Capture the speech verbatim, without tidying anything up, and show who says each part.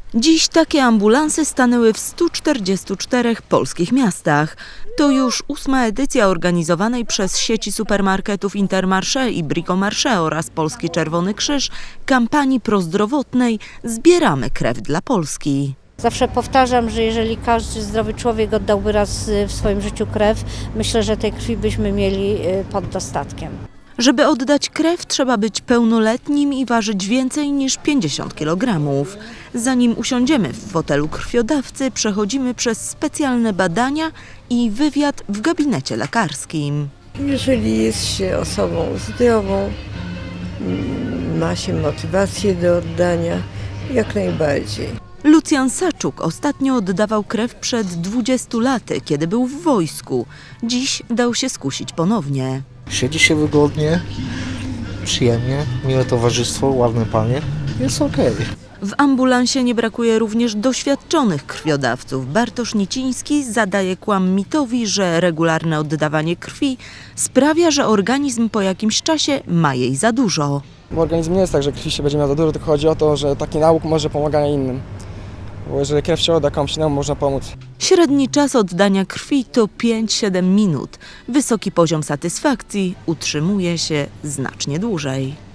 Speaker 1: Dziś takie ambulanse stanęły w stu czterdziestu czterech polskich miastach. To już ósma edycja organizowanej przez sieci supermarketów Intermarché i Bricomarché oraz Polski Czerwony Krzyż kampanii prozdrowotnej Zbieramy krew dla Polski.
Speaker 2: Zawsze powtarzam, że jeżeli każdy zdrowy człowiek oddałby raz w swoim życiu krew, myślę, że tej krwi byśmy mieli pod dostatkiem.
Speaker 1: Żeby oddać krew, trzeba być pełnoletnim i ważyć więcej niż pięćdziesiąt kilogramów. Zanim usiądziemy w fotelu krwiodawcy, przechodzimy przez specjalne badania i wywiad w gabinecie lekarskim.
Speaker 3: Jeżeli jest się osobą zdrową, ma się motywację do oddania, jak najbardziej.
Speaker 1: Lucjan Saczuk ostatnio oddawał krew przed dwudziestu laty, kiedy był w wojsku. Dziś dał się skusić ponownie.
Speaker 4: Siedzi się wygodnie, przyjemnie, miłe towarzystwo, ładne panie, jest okej.
Speaker 1: W ambulansie nie brakuje również doświadczonych krwiodawców. Bartosz Niciński zadaje kłam mitowi, że regularne oddawanie krwi sprawia, że organizm po jakimś czasie ma jej za dużo.
Speaker 5: Bo organizm nie jest tak, że krwi się będzie miał za dużo, tylko chodzi o to, że taki nauk może pomagać innym. Bo jeżeli krew się odda komuś innemu, można pomóc.
Speaker 1: Średni czas oddania krwi to pięć do siedmiu minut. Wysoki poziom satysfakcji utrzymuje się znacznie dłużej.